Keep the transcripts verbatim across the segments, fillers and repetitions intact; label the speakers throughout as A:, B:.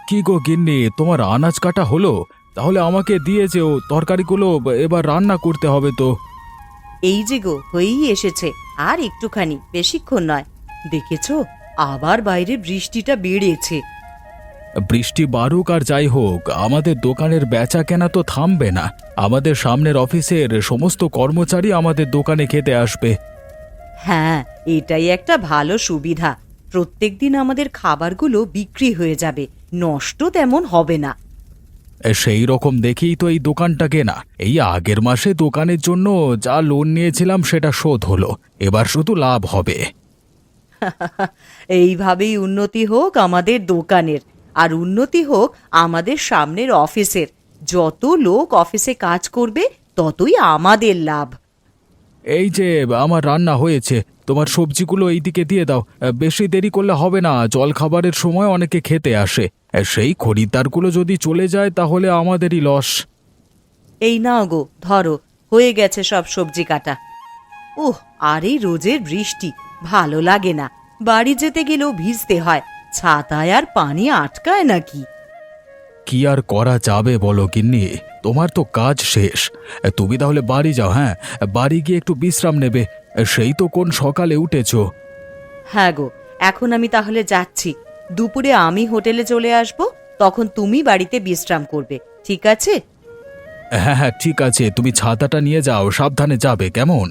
A: কি গো গিন্নি, তোমার আনাজ কাটা হলো? তাহলে আমাকে দিয়ে যেও, তরকারিগুলো এবার রান্না করতে হবে তো।
B: এই যে গো হয়েই এসেছে, আর একটুখানি, বেশিক্ষণ নয়। দেখেছো, আবার বাইরে বৃষ্টিটা বেড়েছে।
A: বৃষ্টি বারুক আর যাই হোক, আমাদের দোকানের বেচা কেনা তো থামবে না। আমাদের সামনের অফিসের সমস্ত কর্মচারী আমাদের দোকানে খেতে আসবে।
B: হ্যাঁ, এটাই একটা ভালো সুবিধা। প্রত্যেকদিন আমাদের খাবারগুলো বিক্রি হয়ে যাবে, নষ্ট তেমন হবে না।
A: সেই রকম দেখেই তো এই দোকানটা কেনা। এই আগের মাসে দোকানের জন্য যা লোন নিয়েছিলাম সেটা শোধ হলো, এবার শুধু লাভ হবে।
B: এইভাবেই উন্নতি হোক আমাদের দোকানের, আর উন্নতি হোক আমাদের সামনের অফিসের। যত লোক অফিসে কাজ করবে ততই আমাদের লাভ।
A: এই যে আমার রান্না হয়েছে, তোমার সবজিগুলো এইদিকে দিয়ে দাও। বেশি দেরি করলে হবে না, জল খাবারের সময় অনেকে খেতে আসে। সেই খরিদ্দারগুলো যদি চলে যায় তাহলে আমাদেরই লস।
B: এই নাও গো, ধরো, হয়ে গেছে সব সবজি কাটা। ওহ, আর এই রোজের বৃষ্টি ভালো লাগে না। বাড়ি যেতে গেলেও ভিজতে হয়, ছাতায় আর পানি আটকায় নাকি?
A: কি আর করা যাবে বলো গিন্নি, তোমার তো কাজ শেষ। তুমি তাহলে বাড়ি যাও। হ্যাঁ, বাড়ি গিয়ে একটু বিশ্রাম নেবে। সেই তো কোন সকালে উঠেছো।
B: হ্যাঁ গো, এখন আমি তাহলে যাচ্ছি। দুপুরে আমি হোটেলে চলে আসব, তখন তুমি বাড়িতে বিশ্রাম করবে, ঠিক আছে?
A: হ্যাঁ হ্যাঁ ঠিক আছে, তুমি ছাতাটা নিয়ে যাও, সাবধানে যাবে কেমন।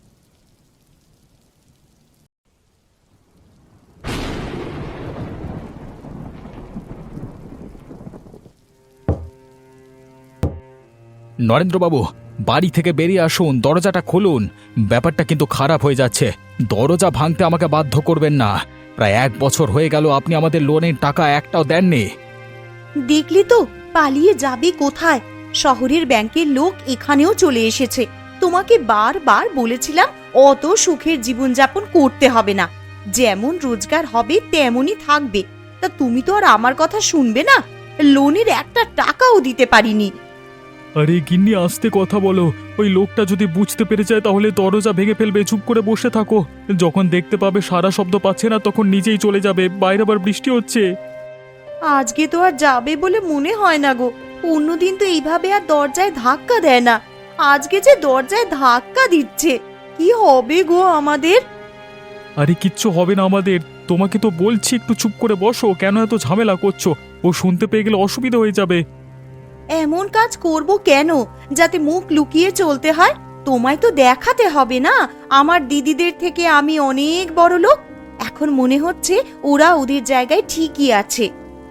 A: নরেন্দ্রবাবু, বাড়ি থেকে বেরিয়ে আসুন, দরজাটা খুলুন। ব্যাপারটা কিন্তু খারাপ হয়ে যাচ্ছে। দরজা ভাঙতে আমাকে বাধ্য করবেন না। প্রায় এক বছর হয়ে গেল আপনি আমাদের লোনের টাকা একটাও দেননি।
B: দেখলি তো, পালিয়ে যাবি কোথায়? শহরের ব্যাংকের লোক এখানেও চলে এসেছে। তোমাকে বারবার বলেছিলাম অত সুখের জীবনযাপন করতে হবে না, যেমন রোজগার হবে তেমনই থাকবে। তা তুমি তো আর আমার কথা শুনবে না। লোনের একটা টাকাও দিতে পারিনি।
A: আরে গিন্নি, আস্তে কথা বলো। ওই লোকটা যদি বুঝতে পেরে যায় তাহলে দরজা ভেঙে ফেলবে। চুপ করে বসে থাকো। যখন দেখতে পাবে সারা শব্দ পাচ্ছে না তখন নিজেই চলে যাবে। বাইরে আবার বৃষ্টি হচ্ছে।
B: আজকে তো আর যাবে বলে মনে হয় না গো। অন্যদিন তো এইভাবে আর দরজায় ধাক্কা দেয় না, আজকে যে দরজায় ধাক্কা দিচ্ছে। কি হবে গো আমাদের?
A: আরে কিচ্ছু হবে না আমাদের। তোমাকে তো বলছি একটু চুপ করে বসো, কেন এত ঝামেলা করছো? ও শুনতে পেয়ে গেলে অসুবিধা হয়ে যাবে।
B: এমন কাজ করব কেন যাতে মুখ লুকিয়ে চলতে হয়? তোমায় তো দেখাতে হবে না আমার দিদিদের থেকে আমি অনেক বড় লোক। এখন মনে হচ্ছে ওরা ওদের জায়গায় ঠিকই আছে।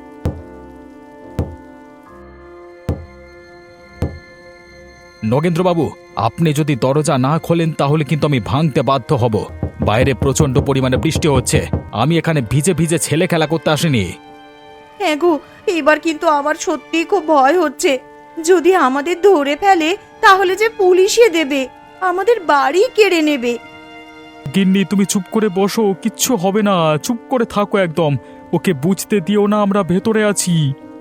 A: নগেন্দ্রবাবু, আপনি যদি দরজা না খোলেন তাহলে কিন্তু আমি ভাঙতে বাধ্য হব। বাইরে প্রচন্ড পরিমাণে বৃষ্টি হচ্ছে, আমি এখানে ভিজে ভিজে ছেলে খেলা করতে আসিনি।
B: হ্যাঁ গো, এবার কিন্তু আমার সত্যিই খুব ভয় হচ্ছে। যদি আমাদের ধরে ফেলে তাহলে যে পুলিশে দেবে, আমাদের বাড়ি কেড়ে নেবে।
A: গিন্নি, তুমি চুপ করে বসো, কিচ্ছু হবে না। চুপ করে থাকো একদম। ওকে বুঝতে দিও না আমরা ভেতরে আছি।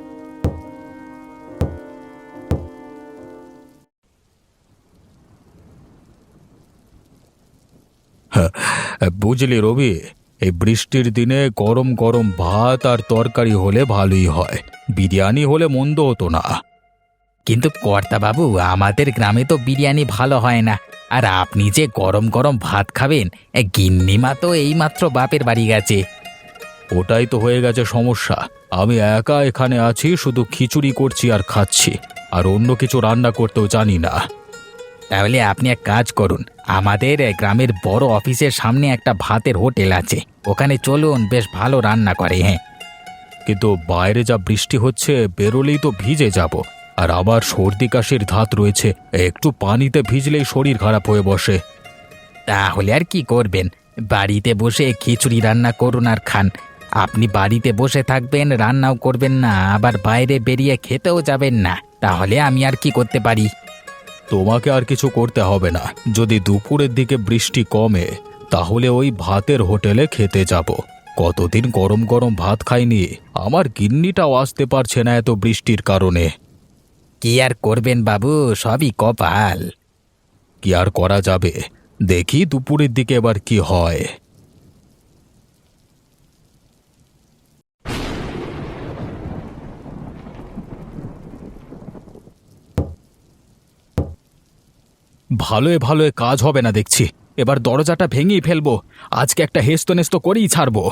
A: হ্যাঁ, বুঝলি রবি, এই বৃষ্টির দিনে গরম গরম ভাত আর তরকারি হলে ভালোই হয়। বিরিয়ানি হলে মন্দ হতো না।
C: কিন্তু কর্তাবাবু, আমাদের গ্রামে তো বিরিয়ানি ভালো হয় না। আর আপনি যে গরম গরম ভাত খাবেন, এ গিন্নিমা তো এইমাত্র বাপের বাড়ি গেছে।
A: ওটাই তো হয়ে গেছে সমস্যা। আমি একা এখানে আছি, শুধু খিচুড়ি করছি আর খাচ্ছি, আর অন্য কিছু রান্না করতেও জানি না।
C: তাহলে আপনি এক কাজ করুন, আমাদের গ্রামের বড় অফিসের সামনে একটা ভাতের হোটেল আছে, ওখানে চলুন, বেশ ভালো রান্না করে। হ্যাঁ,
A: কিন্তু বাইরে যা বৃষ্টি হচ্ছে, বেরোলেই তো ভিজে যাব। আর আবার সর্দি কাশির ধাত রয়েছে, একটু পানিতে ভিজলেই শরীর খারাপ হয়ে বসে।
C: তাহলে আর কি করবেন, বাড়িতে বসে খিচুড়ি রান্না করুন আর খান। আপনি বাড়িতে বসে থাকবেন, রান্নাও করবেন না, আবার বাইরে বেরিয়ে খেতেও যাবেন না, তাহলে আমি আর কি করতে পারি?
A: তোমাকে আর কিছু করতে হবে না। যদি দুপুরের দিকে বৃষ্টি কমে তাহলে ওই ভাতের হোটেলে খেতে যাব। কতদিন গরম গরম ভাত খাইনি। আমার গিন্নিটাও আসতে পারছে না এত বৃষ্টির কারণে।
C: কি আর করবেন বাবু, সবই কপাল।
A: কি আর করা যাবে, দেখি দুপুরের দিকে এবার কি হয়। ভালোয় ভালোয় কাজ হবে না দেখছি। এবার দরজাটা ভেঙেই ফেলবো। আজকে একটা হেস্ত নেস্ত করেই ছাড়বো।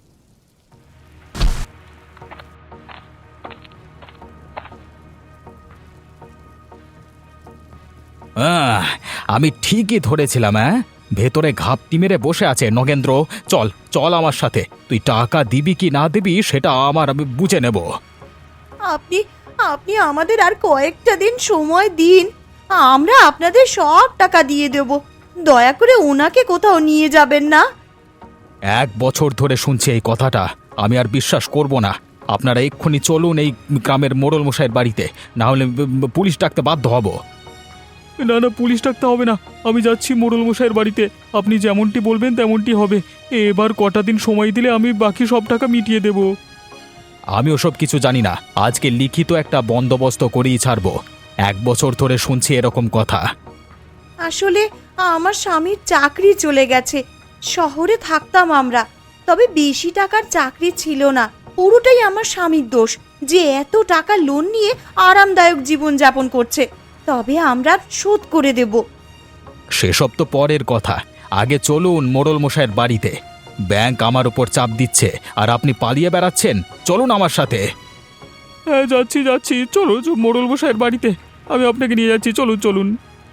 A: আহ, আমি ঠিকই ধরেছিলাম। হ্যাঁ, ভেতরে ঘাপটি মেরে বসে আছে নগেন্দ্র। চল চল আমার সাথে। তুই টাকা দিবি কি না দিবি সেটা আমার আমি বুঝে নেব।
B: আপনি আপনি আমাদের আর কয়েকটা দিন সময় দিন, আমরা আপনাদের সব টাকা দিয়ে দেব। দয়া করে ওনাকে কোথাও নিয়ে যাবেন না।
A: এক বছর ধরে শুনছি এই কথাটা, আমি আর বিশ্বাস করব না। আপনারা এক্ষুনি চলুন এই গ্রামের মোড়ল মশাইয়ের বাড়িতে, না হলে ব- ব- পুলিশ ডাকতে বাধ্য হব।
D: না না, পুলিশ ডাকতে হবে না। আমি যাচ্ছি মোড়ল মশাইয়ের বাড়িতে। আপনি যেমনটি বলবেন তেমনটি হবে। এবার কটা দিন সময় দিলে আমি বাকি সব টাকা মিটিয়ে দেব।
A: আমি ওসব কিছু জানি না। আজকে লিখিত একটা বন্দোবস্ত করেই ছাড়বো। এক বছর ধরে শুনছি এরকম কথা।
B: আসলে আমার স্বামীর চাকরি চলে গেছে। শহরে থাকতাম আমরা, তবে বেশি টাকার চাকরি ছিল না। পুরোটাই আমার স্বামীর দোষ যে এত টাকা লোন নিয়ে আরামদায়ক জীবন যাপন করছে। তবে আমরা শোধ করে দেব।
A: সেসব তো পরের কথা। আগে চলুন মোড়ল মশাইয়ের বাড়িতে। ব্যাংক আমার উপর চাপ দিচ্ছে আর আপনি পালিয়ে বেড়াচ্ছেন। চলুন আমার সাথে।
D: হ্যাঁ, যাচ্ছি যাচ্ছি। চলো চ- মোড়ল মশাইয়ের বাড়িতে আমি আপনাকে নিয়ে যাচ্ছি। চলুন চলুন।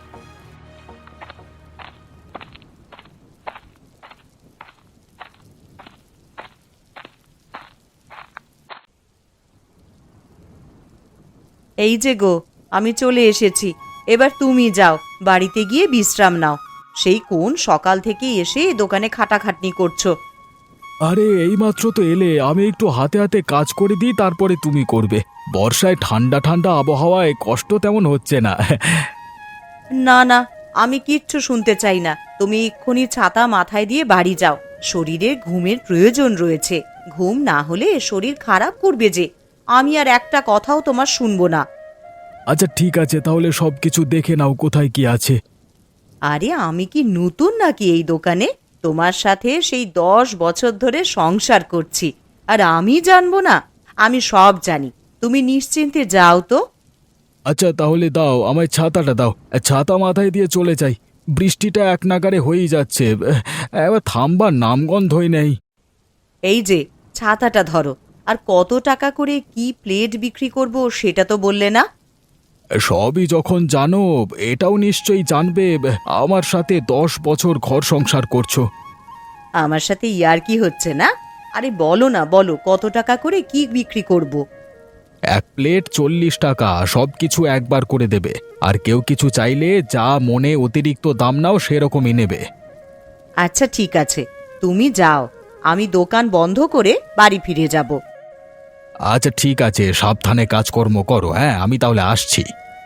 B: এই যে গো, আমি চলে এসেছি। এবার তুমি যাও, বাড়িতে গিয়ে বিশ্রাম নাও। সেই কোন সকাল থেকে এসে দোকানে খাটাখাটনি করছো।
A: আরে এইমাত্র তো এলে, আমি একটু হাতে হাতে কাজ করে দিই, তারপরে তুমি করবে। বর্ষায় ঠান্ডা ঠান্ডা আবহাওয়ায় কষ্ট তেমন হচ্ছে না।
B: না না, আমি কিচ্ছু শুনতে চাই না। তুমি এক্ষুনি ছাতা মাথায় দিয়ে বাড়ি যাও। শরীরে ঘুমের প্রয়োজন রয়েছে। ঘুম না হলে শরীর খারাপ করবে যে। আমি আর একটা কথাও তোমার শুনবো না।
A: আচ্ছা ঠিক আছে, তাহলে সব কিছু দেখে নাও কোথায় কি আছে।
B: আরে আমি কি নতুন নাকি এই দোকানে? তোমার সাথে সেই দশ বছর ধরে সংসার করছি, আর আমি জানবো না? আমি সব জানি। তুমি নিশ্চিন্তে যাও তো।
A: আচ্ছা তাহলে দাও, আমায় ছাতাটা দাও। ছাতা মাথায় দিয়ে চলে যাই। বৃষ্টিটা এক নাগারে হয়েই যাচ্ছে, এবার থামবার নামগন্ধই নেই।
B: এই যে ছাতাটা ধরো। আর কত টাকা করে কি প্লেট বিক্রি করব সেটা তো বললে না।
A: সবই যখন জানো, এটাও নিশ্চয়ই জানবে আমার সাথে দশ বছর ঘর সংসার করছো।
B: আমার সাথে ইয়ার্কি হচ্ছে না? আরে বলো না, বলো কত টাকা করে কি বিক্রি করব।
A: এক প্লেট চল্লিশ টাকা, সব কিছু একবার করে দেবে। আর কেউ কিছু চাইলে যা মনে অতিরিক্ত দাম নাও সেরকমই নেবে।
B: আচ্ছা ঠিক আছে, তুমি যাও। আমি দোকান বন্ধ করে বাড়ি ফিরে যাব।
A: আচ্ছা ঠিক আছে, সাবধানে কাজকর্ম করো। হ্যাঁ, আমি তাহলে আসছি।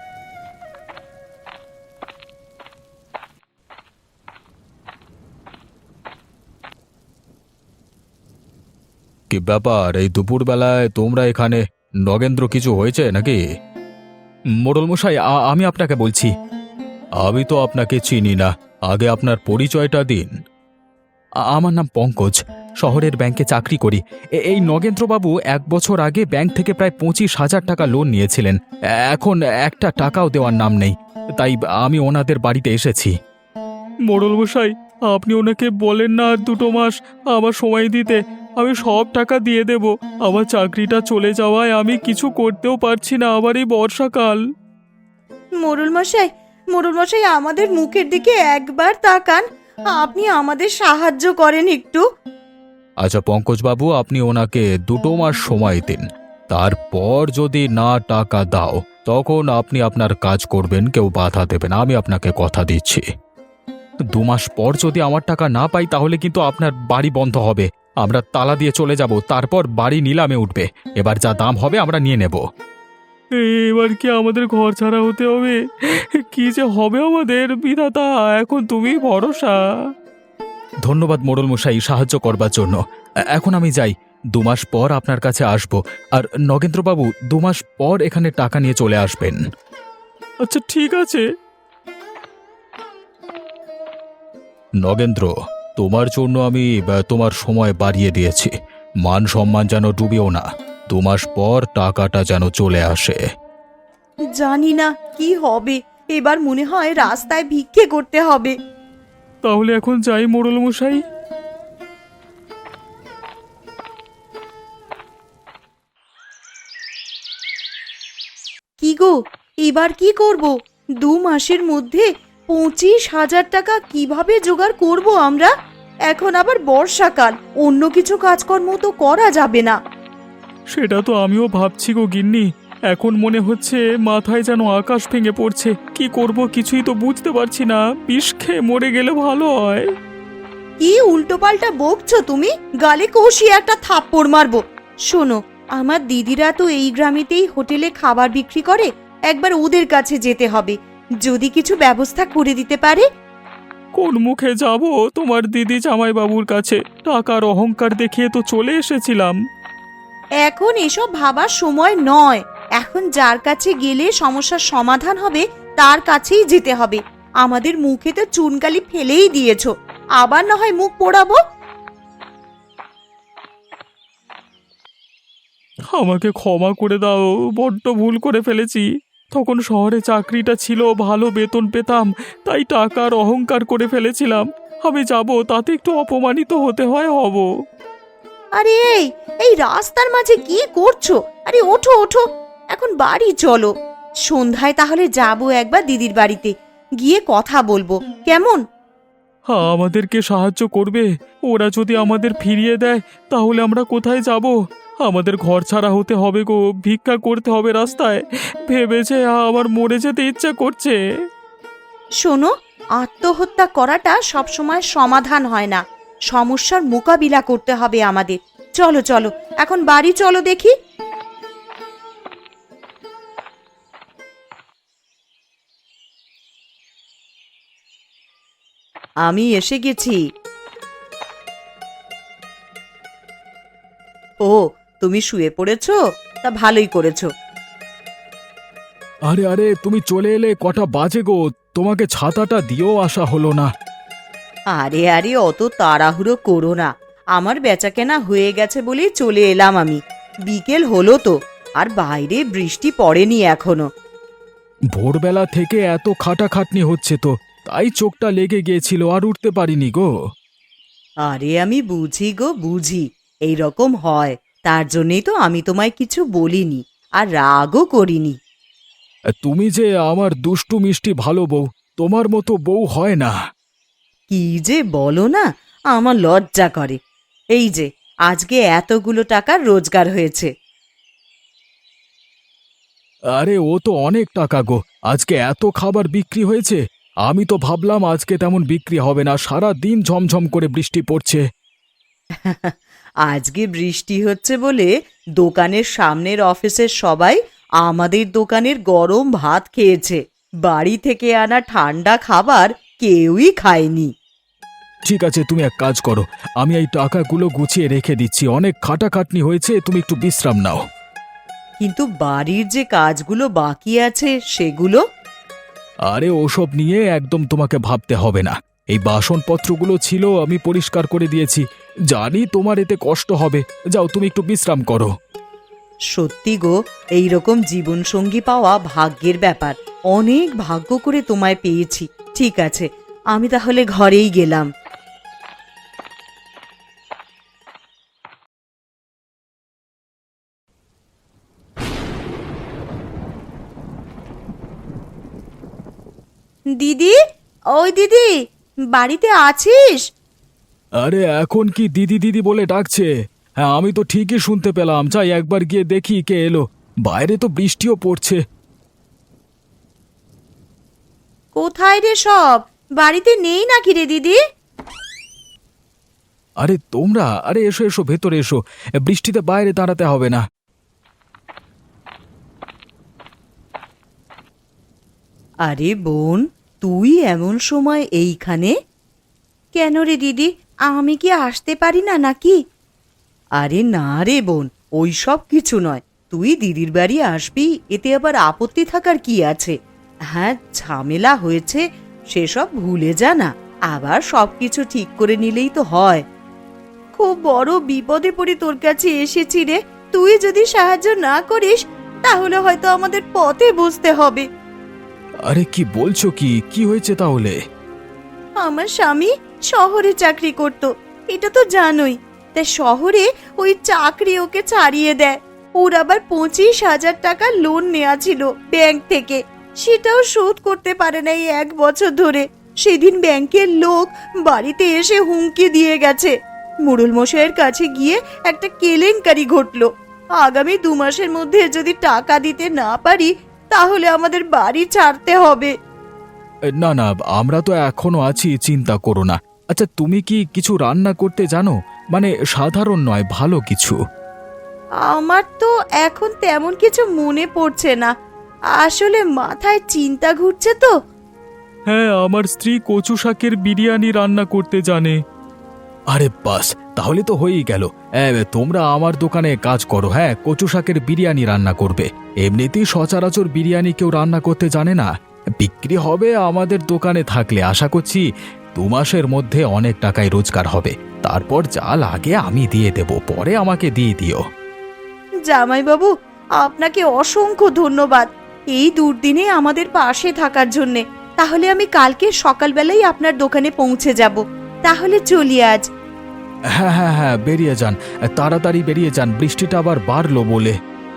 A: কি ব্যাপার, এই দুপুরবেলায় তোমরা এখানে? নগেন্দ্র, কিছু হয়েছে নাকি? মোড়ল মশাই, আ- আমি আপনাকে বলছি। আমি তো আপনাকে চিনি না, আগে আপনার পরিচয়টা দিন। আ- আমার নাম পঙ্কজ, শহরের ব্যাংকে চাকরি করি। এ- এই নগেন্দ্রবাবু এক বছর আগে ব্যাংক থেকে প্রায় পঁচিশ হাজার টাকা লোন নিয়েছিলেন। এখন একটা টাকাও দেওয়ার নাম নেই, তাই আমি ওনাদের বাড়িতে এসেছি।
D: মোড়ল মশাই, আপনি ওনাকে বলেন না আর দুটো মাস আমার সময় দিতে। আমি সব টাকা দিয়ে দেব। আমার চাকরিটা চলে যাওয়ায় আমি কিছু করতেও পারছি না। আবার এই বর্ষাকাল।
B: মোড়ল মশাই, মোড়ল মশাই আমাদের মুখের দিকে একবার তাকান। আপনি আমাদের সাহায্য করেন একটু।
A: আচ্ছা পঙ্কজবাবু, আপনি ওনাকে দুটো মাস সময় দিন। তারপর যদি না টাকা দাও, তখন আপনি আপনার কাজ করবেন, কেউ বাধা দেবে না, আমি আপনাকে কথা দিচ্ছি। দু মাস পর যদি আমার টাকা না পাই, তাহলে কিন্তু আপনার বাড়ি বন্ধ হবে। আমরা তালা দিয়ে চলে যাব, তারপর বাড়ি নিলামে উঠবে। এবার যা দাম হবে আমরা নিয়ে নেব।
D: এবার কি আমাদের ঘর ছাড়া হতে হবে? কি যে হবে আমাদের, বিধাতা এখন তুমি ভরসা।
A: ধন্যবাদ মোড়ল মশাই, সাহায্য করবার জন্য। এ- এখন আমি যাই, দু মাস পর আপনার কাছে আসব। আর নগেন্দ্রবাবু দু মাস পর এখানে টাকা নিয়ে চলে আসবেন।
D: আচ্ছা ঠিক আছে।
A: নগেন্দ্র, তোমার জন্য আমি আহ, তোমার সময় বাড়িয়ে দিয়েছি। মান সম্মান যেন ডুবেও না। দু মাস পর টাকাটা যেন চলে আসে।
B: জানি না কি হবে, এবার মনে হয় রাস্তায় ভিক্ষে করতে হবে।
D: তাহলে এখন যাই মোড়ল মশাই।
B: কি গো, এবার কি করব? দু মাসের মধ্যে পঁচিশ হাজার টাকা কিভাবে জোগাড় করব আমরা? এখন আবার বর্ষাকাল, অন্য কিছু কাজকর্ম তো করা যাবে না।
D: সেটা তো আমিও ভাবছি গো গিন্নি। এখন মনে হচ্ছে মাথায় যেন আকাশ ভেঙে পড়ছে। কি করব কিছুই তো বুঝতে পারছি না। বিষ খেয়ে মরে গেলে ভালো হয়।
B: কি উল্টোপাল্টা বকছো তুমি? গালে কষিয়ে একটা থাপ্পড় মারবো। শোনো, আমার দিদিরা তো এই গ্রামেতেই হোটেলে খাবার বিক্রি করে, একবার ওদের কাছে যেতে হবে, যদি কিছু ব্যবস্থা করে দিতে পারে।
D: কোন মুখে যাব তোমার দিদি জামাইবাবুর কাছে? টাকার অহংকার দেখিয়ে তো চলে এসেছিলাম।
B: এখন এসব ভাবার সময় নয়। এখন যার কাছে গেলে সমস্যার সমাধান হবে তার কাছেই যেতে হবে। আমাদের মুখে তো চুনকালি ফেলেই দিয়েছো, আবার না হয় মুখ পোড়াবো।
D: আমাকে ক্ষমা করে দাও, বড্ড ভুল করে ফেলেছি। তখন শহরে চাকরিটা ছিল, ভালো বেতন পেতাম, তাই টাকার অহংকার করে ফেলেছিলাম। আমি যাব, তাতে একটু অপমানিত হতে হয় হব।
B: আরে এই এই রাস্তার মাঝে কি করছো? আরে ওঠো ওঠো, এখন বাড়ি চলো। সন্ধ্যায় তাহলে যাবো একবার দিদির বাড়িতে, গিয়ে কথা বলবো, কেমন?
D: হ্যাঁ, আমাদেরকে সাহায্য করবে। ওরা যদি আমাদের ফিরিয়ে দেয় তাহলে আমরা কোথায় যাব? আমাদের ঘর ছাড়া হতে হবে গো, ভিক্ষা করতে হবে রাস্তায়। ভেবেছে আমার মরে যেতে ইচ্ছা করছে।
B: শোনো, আত্মহত্যা করাটা সবসময় সমাধান হয় না, সমস্যার মোকাবিলা করতে হবে আমাদের। চলো চলো, এখন বাড়ি চলো দেখি। আমি এসে গেছি। ও, তুমি শুয়ে পড়েছো? তা ভালোই করেছো।
A: আরে আরে, তুমি চলে এলে, কটা বাজে গো? তোমাকে ছাতাটা দিয়েও আসা হলো না।
B: আরে আরে, অত তাড়াহুড়ো করো না, আমার বেচাকেনা হয়ে গেছে বলেই চলে এলাম আমি। বিকেল হলো তো, আর বাইরে বৃষ্টি পড়েনি এখনো।
A: ভোরবেলা থেকে এত খাটাখাটনি হচ্ছে তো, তাই চোখটা লেগে গিয়েছিল, আর উঠতে পারিনি গো।
B: আরে আমি বুঝি গো বুঝি, এই রকম হয়, তার জন্যই তো আমি তোমায় কিছু বলিনি, আর রাগও করিনি।
A: তুমি যে আমার দুষ্টু মিষ্টি ভালো বউ, তোমার মতো বউ হয় না।
B: কি যে বলো না, আমার লজ্জা করে। এই যে আজকে এতগুলো টাকার রোজগার হয়েছে।
A: আরে ও তো অনেক টাকা গো, আজকে এত খাবার বিক্রি হয়েছে। আমি তো ভাবলাম আজকে তেমন বিক্রি হবে না, সারা দিন ঝমঝম করে বৃষ্টি পড়ছে।
B: আজকে বৃষ্টি হচ্ছে বলে দোকানের সামনের অফিসের সবাই আমাদের দোকানের গরম ভাত খেয়েছে। বাড়ি থেকে আনা ঠান্ডা খাবার কেউই খায়নি।
A: ঠিক আছে, তুমি এক কাজ করো, আমি এই টাকাগুলো গুছিয়ে রেখে দিচ্ছি। অনেক খাটাখাটনি হয়েছে, তুমি একটু বিশ্রাম নাও।
B: কিন্তু বাড়ির যে কাজগুলো বাকি আছে সেগুলো?
A: আরে ওসব নিয়ে একদম তোমাকে ভাবতে হবে না। এই বাসনপত্রগুলো ছিল, আমি পরিষ্কার করে দিয়েছি। জানি তোমার এতে কষ্ট হবে, যাও তুমি একটু বিশ্রাম করো।
B: সত্যি গো, এইরকম জীবনসঙ্গী পাওয়া ভাগ্যের ব্যাপার। অনেক ভাগ্য করে তোমায় পেয়েছি। ঠিক আছে, আমি তাহলে ঘরেই গেলাম। দিদি, ওই দিদি, বাড়িতে আছিস?
A: আরে এখন কি দিদি দিদি বলে ডাকছে? হ্যাঁ, আমি তো ঠিকই শুনতে পেলাম। যাই একবার গিয়ে দেখি কে এলো। বাইরে তো বৃষ্টিও পড়ছে।
B: কোথায় রে সব? বাড়িতে নেই নাকি রে দিদি?
A: আরে তোমরা, আরে এসো এসো, ভেতরে এসো। বৃষ্টিতে বাইরে দাঁড়াতে হবে না।
B: আরে বোন, তুই এমন সময় এইখানে কেন রে দিদি? আমি কি আসতে পারি না নাকি? আরে না রে বোন, ওই সব কিছু নয়। তুই দিদির বাড়ি আসবি, এতে আবার আপত্তি থাকার কি আছে? হ্যাঁ, ঝামেলা হয়েছে সেসব ভুলে যা না, আবার সবকিছু ঠিক করে নিলেই তো হয়। খুব বড় বিপদে পড়ে তোর কাছে এসেছি রে। তুই যদি সাহায্য না করিস তাহলে হয়তো আমাদের পথে বসতে হবে।
A: আরে কি বলছো, কি কি হয়েছে তাহলে?
B: আমার স্বামী শহরে চাকরি করত, এটা তো জানোই। তাই শহরে ওই চাকরি ওকে ছাড়িয়ে দেয়। ওর আবার পঁচিশ হাজার টাকা লোন নেওয়া ছিল ব্যাংক থেকে, সেটাও শোধ করতে পারে না এই এক বছর ধরে। সেদিন ব্যাংকের লোক বাড়িতে এসে হুমকি দিয়ে গেছে। মোড়ল মশাইয়ের কাছে গিয়ে একটা কেলেঙ্কারি ঘটলো। আগামী দু মাসের মধ্যে যদি টাকা দিতে না পারি তাহলে আমাদের বাড়ি ছাড়তে হবে।
A: এ, না না, আমরা তো এখনো আছি, চিন্তা করো না। আচ্ছা, তুমি কি কিছু রান্না করতে জানো? মানে সাধারণ নয়, ভালো কিছু।
B: আমার তো এখন তেমন কিছু মনে পড়ছে না, আসলে মাথায় চিন্তা ঘুরছে তো।
D: হ্যাঁ, আমার স্ত্রী কচু শাকের বিরিয়ানি রান্না করতে জানে।
A: আরে বাস, তাহলে তো হয়েই গেল। এ, তোমরা আমার দোকানে কাজ করো, হ্যাঁ, কচু শাকের বিরিয়ানি রান্না করবে। এমনিতেই সচরাচর বিরিয়ানি কেউ রান্না করতে জানে না। বিক্রি হবে আমাদের দোকানে থাকলে আশা করছি দু মাসের মধ্যে অনেক টাকায় রোজগার হবে। তারপর যা লাগে আমি দিয়ে দেব, পরে আমাকে দিয়ে দিও।
B: জামাইবাবু, আপনাকে অসংখ্য ধন্যবাদ এই দুর্দিনে আমাদের পাশে থাকার জন্যে। তাহলে আমি কালকে সকালবেলাই আপনার দোকানে পৌঁছে যাব। তাহলে চলি আজ।
A: হ্যাঁ হ্যাঁ হ্যাঁ, বেরিয়ে যান, তাড়াতাড়ি বেরিয়ে যান, বৃষ্টিটা আবার বাড়লো বলে।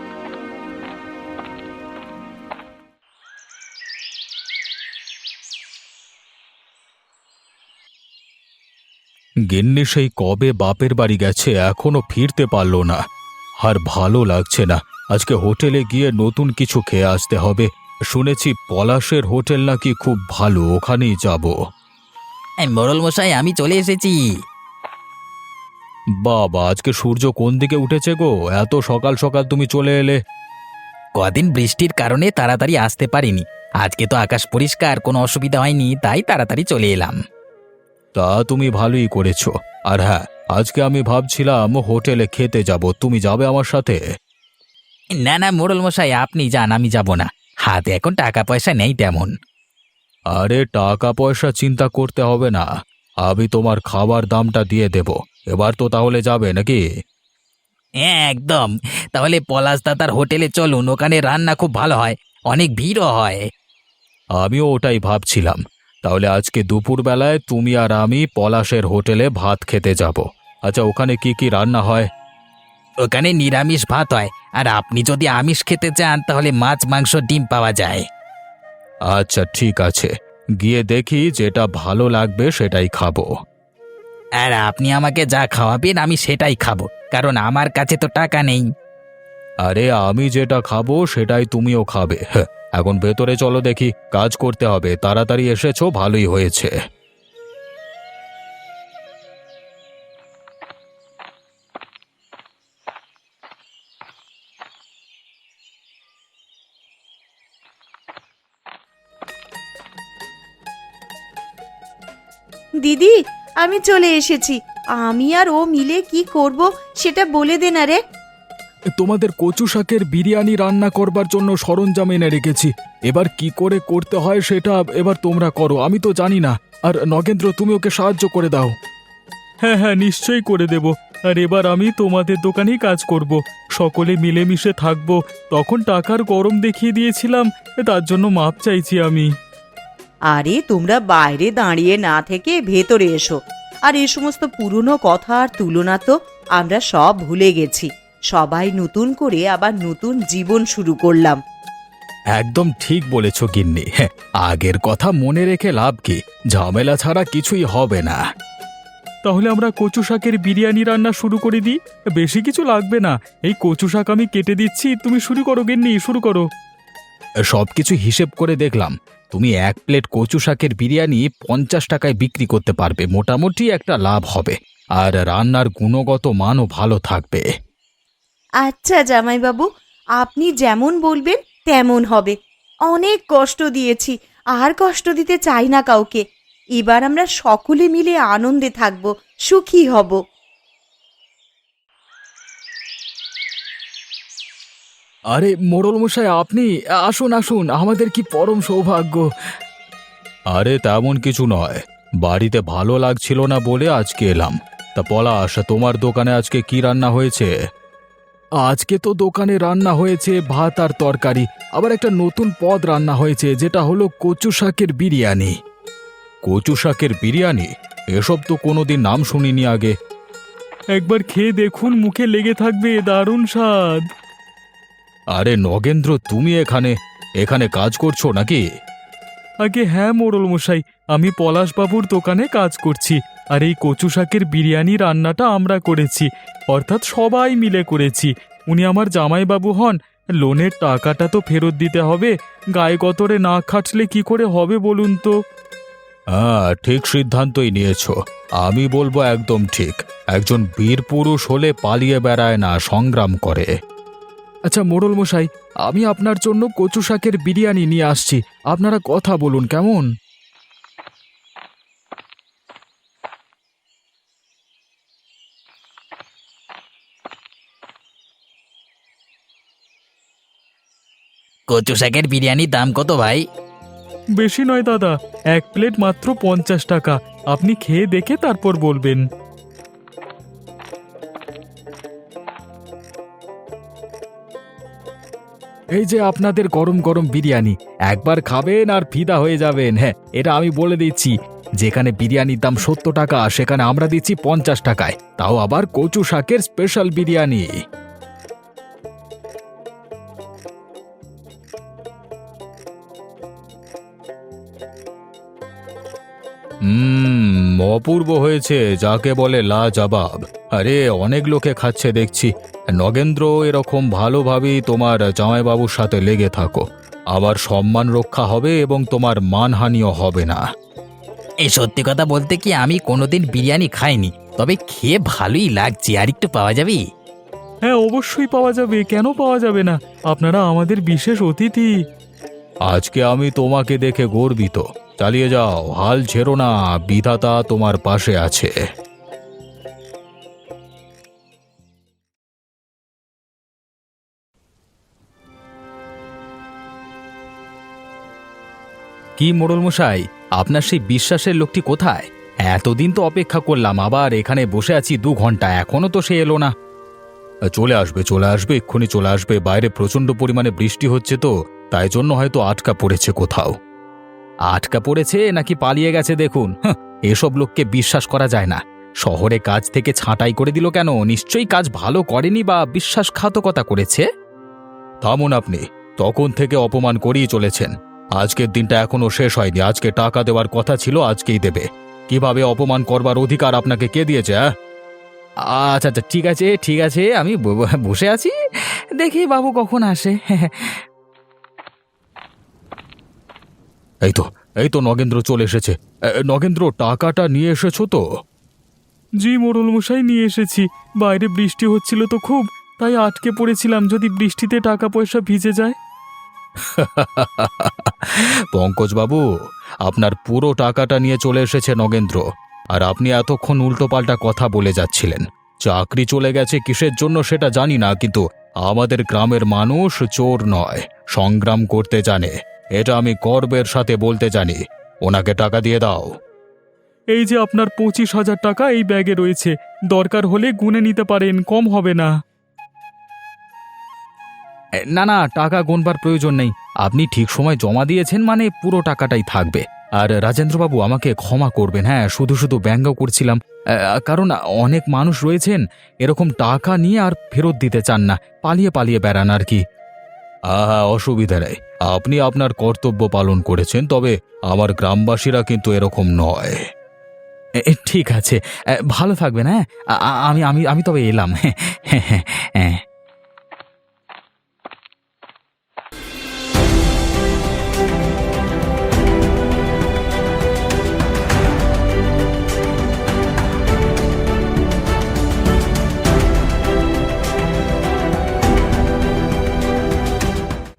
A: গিন্নি সেই কবে বাপের বাড়ি গেছে, এখনো ফিরতে পারলো না। আর ভালো লাগছে না, আজকে হোটেলে গিয়ে নতুন কিছু খেয়ে আসতে হবে। শুনেছি পলাশের হোটেল নাকি খুব ভালো, ওখানেই যাব।
C: এই মোড়ল মশাই, আমি চলে এসেছি।
A: বাবা, আজকে সূর্য কোন দিকে উঠেছে গো, এত সকাল সকাল তুমি চলে এলে?
C: কদিন বৃষ্টির কারণে তাড়াতাড়ি আসতে পারিনি। আজকে তো আকাশ পরিষ্কার, কোনো অসুবিধা হয়নি, তাই তাড়াতাড়ি চলে এলাম।
A: তা তুমি ভালোই করেছো। আর হ্যাঁ, আজকে আমি ভাবছিলাম হোটেলে খেতে যাব, তুমি যাবে আমার সাথে?
C: না না মোড়ল মশাই, আপনি যান, আমি যাব না। হাতে এখন টাকা পয়সা নেই তেমন।
A: আরে টাকা পয়সা চিন্তা করতে হবে না, আমি তোমার খাবার দামটা দিয়ে দেব। এবার তো তাহলে যাবে নাকি?
C: হ্যাঁ একদম। তাহলে পলাশ দাদার হোটেলে চলুন, ওখানে রান্না খুব ভালো হয়, অনেক ভিড়ও হয়।
A: আমিও ওটাই ভাবছিলাম। তাহলে আজকে দুপুরবেলায় তুমি আর আমি পলাশের হোটেলে ভাত খেতে যাব। আচ্ছা, ওখানে কি কি রান্না হয়?
C: ওখানে নিরামিষ ভাত হয়, আর আপনি যদি আমিষ খেতে চান তাহলে মাছ, মাংস, ডিম পাওয়া যায়।
A: আচ্ছা ঠিক আছে, গিয়ে দেখি যেটা ভালো লাগবে সেটাই খাবো।
C: আর আপনি আমাকে যা খাওয়াবেন আমি সেটাই খাবো, কারণ আমার কাছে তো টাকা নেই।
A: আরে আমি যেটা খাবো সেটাই তুমিও খাবে। হ্যাঁ, এখন ভেতরে চলো, দেখি, কাজ করতে হবে। তাড়াতাড়ি এসেছো, ভালোই হয়েছে।
B: দিদি, আমি চলে এসেছি। আমি আর ও মিলে কি করব সেটা বলে দে না রে।
A: তোমাদের কচু শাকের বিরিয়ানি রান্না করবার জন্য সরঞ্জাম এনে রেখেছি। এবার কি করে করতে হয় সেটা এবার তোমরা করো, আমি তো জানি না। আর নগেন্দ্র, তুমি ওকে সাহায্য করে দাও।
D: হ্যাঁ হ্যাঁ, নিশ্চয়ই করে দেব। আর এবার আমি তোমাদের দোকানেই কাজ করব, সকলে মিলেমিশে থাকবো। তখন টাকার গরম দেখিয়ে দিয়েছিলাম, তার জন্য মাপ চাইছি আমি।
B: আরে তোমরা বাইরে দাঁড়িয়ে না থেকে ভেতরে এসো। আর এই সমস্ত পুরনো কথা আর তুলনা তো আমরা সব ভুলে গেছি। সবাই নতুন করে আবার নতুন জীবন শুরু করলাম।
A: একদম ঠিক বলেছ গিন্নি। হ্যাঁ, আগের কথা মনে রেখে লাভ কি, ঝামেলা ছাড়া কিছুই হবে না।
D: তাহলে আমরা কচু শাকের বিরিয়ানি রান্না শুরু করে দিই। বেশি কিছু লাগবে না, এই কচু শাক আমি কেটে দিচ্ছি, তুমি শুরু করো গিন্নি, শুরু করো।
A: সবকিছু হিসেব করে দেখলাম, তুমি এক প্লেট কচু শাকের বিরিয়ানি পঞ্চাশ টাকায় বিক্রি করতে পারবে, মোটামুটি একটা লাভ হবে। আর রান্নার গুণগত মানও ভালো থাকবে।
B: আচ্ছা জামাইবাবু, আপনি যেমন বলবেন তেমন হবে। অনেক কষ্ট দিয়েছি, আর কষ্ট দিতে চাই না কাউকে। এবার আমরা সকলে মিলে আনন্দে থাকব, সুখী হব।
A: আরে মোড়ল মশাই, আপনি আসুন আসুন, আমাদের কি পরম সৌভাগ্য। আরে তেমন কিছু নয়, বাড়িতে ভালো লাগছিল না বলে আজকে এলাম। তা পলাশ, তোমার দোকানে আজকে কি রান্না হয়েছে? আজকে তো দোকানে রান্না হয়েছে ভাত আর তরকারি, আবার একটা নতুন পদ রান্না হয়েছে যেটা হলো কচু শাকের বিরিয়ানি। কচু শাকের বিরিয়ানি? এসব তো কোনোদিন নাম শুনিনি আগে।
D: একবার খেয়ে দেখুন, মুখে লেগে থাকবে, দারুণ স্বাদ।
A: আরে নগেন্দ্র, তুমি এখানে এখানে কাজ করছো নাকি?
D: আগে হ্যাঁ মোড়ল মশাই, আমি পলাশবাবুর দোকানে কাজ করছি। আর এই কচু শাকের বিরিয়ানি রান্নাটা আমরা করেছি, অর্থাৎ সবাই মিলে করেছি। উনি আমার জামাইবাবু হন। লোনের টাকাটা তো ফেরত দিতে হবে, গায়ে গতরে না খাটলে কি করে হবে বলুন তো।
A: হ্যাঁ, ঠিক সিদ্ধান্তই নিয়েছো। আমি বলবো একদম ঠিক। একজন বীর পুরুষ হলে পালিয়ে বেড়ায় না, সংগ্রাম করে। আচ্ছা মোড়ল মশাই, আমি আপনার জন্য কচু শাকের বিরিয়ানি নিয়ে আসছি, আপনারা কথা বলুন কেমন?
C: কচু শাকের বিরিয়ানির দাম কত ভাই?
D: বেশি নয় দাদা, এক প্লেট মাত্র পঞ্চাশ টাকা। আপনি খেয়ে দেখে তারপর বলবেন।
A: এই যে আপনাদের গরম গরম বিরিয়ানি, একবার খাবেন আর ফিদা হয়ে যাবেন। হ্যাঁ, এটা আমি বলে দিচ্ছি, যেখানে বিরিয়ানির দাম সত্তর টাকা সেখানে আমরা দিচ্ছি পঞ্চাশ টাকায়, তাও আবার কচু শাকের স্পেশাল বিরিয়ানি। হুম, অপূর্ব হয়েছে, যাকে বলে লাজবাব। আরে অনেক লোকে খাচ্ছে দেখছি। নগেন্দ্র, এরকম ভালোভাবেই তোমার জামাইবাবুর সাথে লেগে থাকো, আবার সম্মান রক্ষা হবে এবং তোমার মানহানিও হবে না।
C: এই সত্যি কথা বলতে কি, আমি কোনোদিন বিরিয়ানি খাইনি, তবে খেয়ে ভালোই লাগছে। আর একটু পাওয়া যাবে?
D: হ্যাঁ অবশ্যই পাওয়া যাবে, কেন পাওয়া যাবে না? আপনারা আমাদের বিশেষ অতিথি।
A: আজকে আমি তোমাকে দেখে গর্বিত। চালিয়ে যাও, হাল ছেড়ো না, বিধাতা তোমার পাশে আছে। কি মোড়ল মশাই, আপনার সেই বিশ্বাসের লোকটি কোথায়? এতদিন তো অপেক্ষা করলাম, আবার এখানে বসে আছি দু ঘন্টা, এখনো তো সে এলো না। চলে আসবে চলে আসবে এক্ষুনি চলে আসবে। বাইরে প্রচণ্ড পরিমাণে বৃষ্টি হচ্ছে তো, তাই জন্য হয়তো আটকা পড়েছে কোথাও। আটকা পড়েছে নাকি পালিয়ে গেছে দেখুন। হাহ, এসব লোককে বিশ্বাস করা যায় না। শহরে কাজ থেকে ছাঁটাই করে দিল কেন? নিশ্চয়ই কাজ ভালো করেনি বা বিশ্বাসঘাতকতা করেছে। থামুন আপনি, তখন থেকে অপমান করেই চলেছেন। আজকের দিনটা এখনো শেষ হয়নি। আজকে টাকা দেওয়ার কথা ছিল, আজকেই দেবে। কিভাবে অপমান করবার অধিকার আপনাকে কে দিয়েছে? হ্যাঁ, আচ্ছা আচ্ছা, ঠিক আছে ঠিক আছে, আমি ব- বসে আছি, দেখি বাবু কখন আসে। এই তো এই তো নগেন্দ্র চলে এসেছে। এ, নগেন্দ্র, টাকাটা নিয়ে এসেছো তো?
D: জি মোড়ল মশাই, নিয়ে এসেছি। বাইরে বৃষ্টি হচ্ছিল তো খুব, তাই আটকে পড়েছিলাম, যদি বৃষ্টিতে টাকা পয়সা ভিজে যায়।
A: পঙ্কজবাবু, আপনার পুরো টাকাটা নিয়ে চলে এসেছে নগেন্দ্র। আর আপনি এতক্ষণ উল্টোপাল্টা কথা বলে যাচ্ছিলেন। চাকরি চলে গেছে কিসের জন্য সেটা জানি না, কিন্তু আমাদের গ্রামের মানুষ চোর নয়, সংগ্রাম করতে জানে। এটা আমি গর্বের সাথে বলতে জানি। ওনাকে টাকা দিয়ে দাও।
D: এই যে আপনার পঁচিশ হাজার টাকা এই ব্যাগে রয়েছে, দরকার হলে গুনে নিতে পারেন, কম হবে না।
A: এ, না না, টাকা গোনবার প্রয়োজন নেই। আপনি ঠিক সময় জমা দিয়েছেন মানে পুরো টাকাটাই থাকবে। আর রাজেন্দ্রবাবু, আমাকে ক্ষমা করবেন। হ্যাঁ, শুধু শুধু ব্যঙ্গ করছিলাম, আ, কারণ অনেক মানুষ রয়েছেন এরকম টাকা নিয়ে আর ফেরত দিতে চান না, পালিয়ে পালিয়ে বেড়ান আর কি। আহা, অসুবিধা নেই, আপনি আপনার কর্তব্য পালন করেছেন, তবে আমার গ্রামবাসীরা কিন্তু এরকম নয়। এ, এ, ঠিক আছে, এ, ভালো থাকবেন। হ্যাঁ, আ- আ- আমি আমি আমি তবে এলাম। হ্যাঁ হ্যাঁ হ্যাঁ।